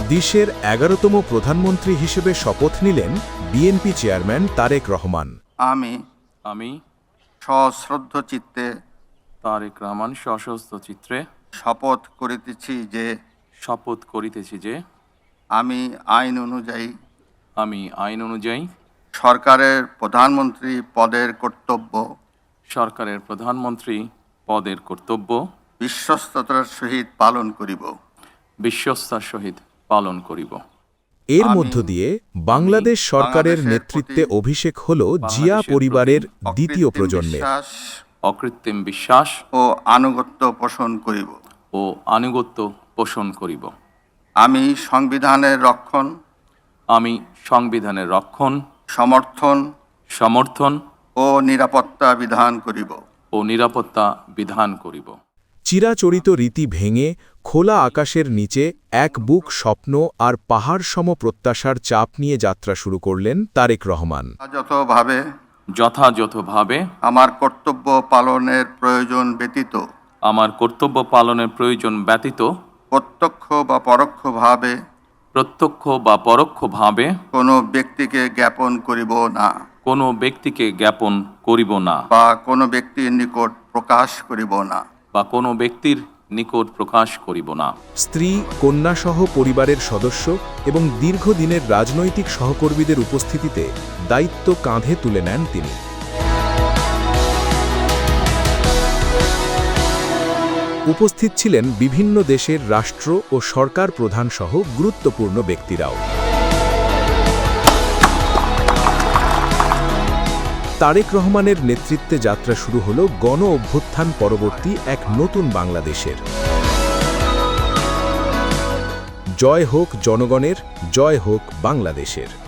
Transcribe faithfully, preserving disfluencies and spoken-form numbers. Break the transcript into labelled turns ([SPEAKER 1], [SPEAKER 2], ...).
[SPEAKER 1] দেশের এগারোতম প্রধানমন্ত্রী হিসেবে শপথ নিলেন বিএনপি চেয়ারম্যান তারেক রহমান।
[SPEAKER 2] আমি
[SPEAKER 3] আমি
[SPEAKER 2] সশ্রদ্ধ চিত্তে
[SPEAKER 3] তারেক রহমান সশস্ত্র চিত্রে
[SPEAKER 2] শপথ করিতেছি যে
[SPEAKER 3] শপথ করিতেছি যে
[SPEAKER 2] আমি আইন অনুযায়ী
[SPEAKER 3] আমি আইন অনুযায়ী
[SPEAKER 2] সরকারের প্রধানমন্ত্রী পদের কর্তব্য
[SPEAKER 3] সরকারের প্রধানমন্ত্রী পদের কর্তব্য
[SPEAKER 2] বিশ্বস্ততার সহিত পালন করিব
[SPEAKER 3] বিশ্বস্তার সহিত পালন করিব।
[SPEAKER 1] এর
[SPEAKER 2] আমি
[SPEAKER 1] মধ্য দিয়ে বাংলাদেশ সরকারের
[SPEAKER 2] বাংলাদেশের
[SPEAKER 1] নেতৃত্বে
[SPEAKER 2] প্রতি
[SPEAKER 1] অভিষেক হল জিয়া
[SPEAKER 3] বাংলাদেশের
[SPEAKER 1] পরিবারের
[SPEAKER 3] প্রতি
[SPEAKER 1] দ্বিতীয়
[SPEAKER 2] অকৃত্রিম
[SPEAKER 1] প্রজন্মের।
[SPEAKER 2] বিশ্বাস
[SPEAKER 3] অকৃত্রিম বিশ্বাস
[SPEAKER 2] ও আনুগত্য পোষণ করিব।
[SPEAKER 3] ও আনুগত্য পোষণ করিব।
[SPEAKER 2] আমি সংবিধানের রক্ষণ
[SPEAKER 3] আমি সংবিধানের রক্ষণ
[SPEAKER 2] সমর্থন
[SPEAKER 3] সমর্থন
[SPEAKER 2] ও নিরাপত্তা বিধান করিব।
[SPEAKER 3] ও নিরাপত্তা বিধান করিব।
[SPEAKER 1] চিরাচরিত রীতি ভেঙে খোলা আকাশের নিচে এক বুক স্বপ্ন আর পাহাড়সম প্রত্যাশার চাপ নিয়ে যাত্রা শুরু করলেন তারেক রহমান।
[SPEAKER 2] যথাযথভাবে
[SPEAKER 3] যথাযথভাবে
[SPEAKER 2] আমার কর্তব্য পালনের প্রয়োজন ব্যতীত
[SPEAKER 3] আমার কর্তব্য পালনের প্রয়োজন ব্যতীত
[SPEAKER 2] প্রত্যক্ষ বা পরোক্ষভাবে
[SPEAKER 3] প্রত্যক্ষ বা পরোক্ষভাবে
[SPEAKER 2] কোনো ব্যক্তিকে জ্ঞাপন করিব না
[SPEAKER 3] কোনো ব্যক্তিকে জ্ঞাপন করিব না
[SPEAKER 2] বা কোনো ব্যক্তির নিকট প্রকাশ করিব না
[SPEAKER 3] বা কোনো ব্যক্তির নিকট প্রকাশ করিব না।
[SPEAKER 1] স্ত্রী, কন্যাসহ পরিবারের সদস্য এবং দীর্ঘদিনের রাজনৈতিক সহকর্মীদের উপস্থিতিতে দায়িত্ব কাঁধে তুলে নেন তিনি। উপস্থিত ছিলেন বিভিন্ন দেশের রাষ্ট্র ও সরকার প্রধানসহ গুরুত্বপূর্ণ ব্যক্তিরাও। তারেক রহমানের নেতৃত্বে যাত্রা শুরু হল গণ অভ্যুত্থান পরবর্তী এক নতুন বাংলাদেশের। জয় হোক জনগণের, জয় হোক বাংলাদেশের।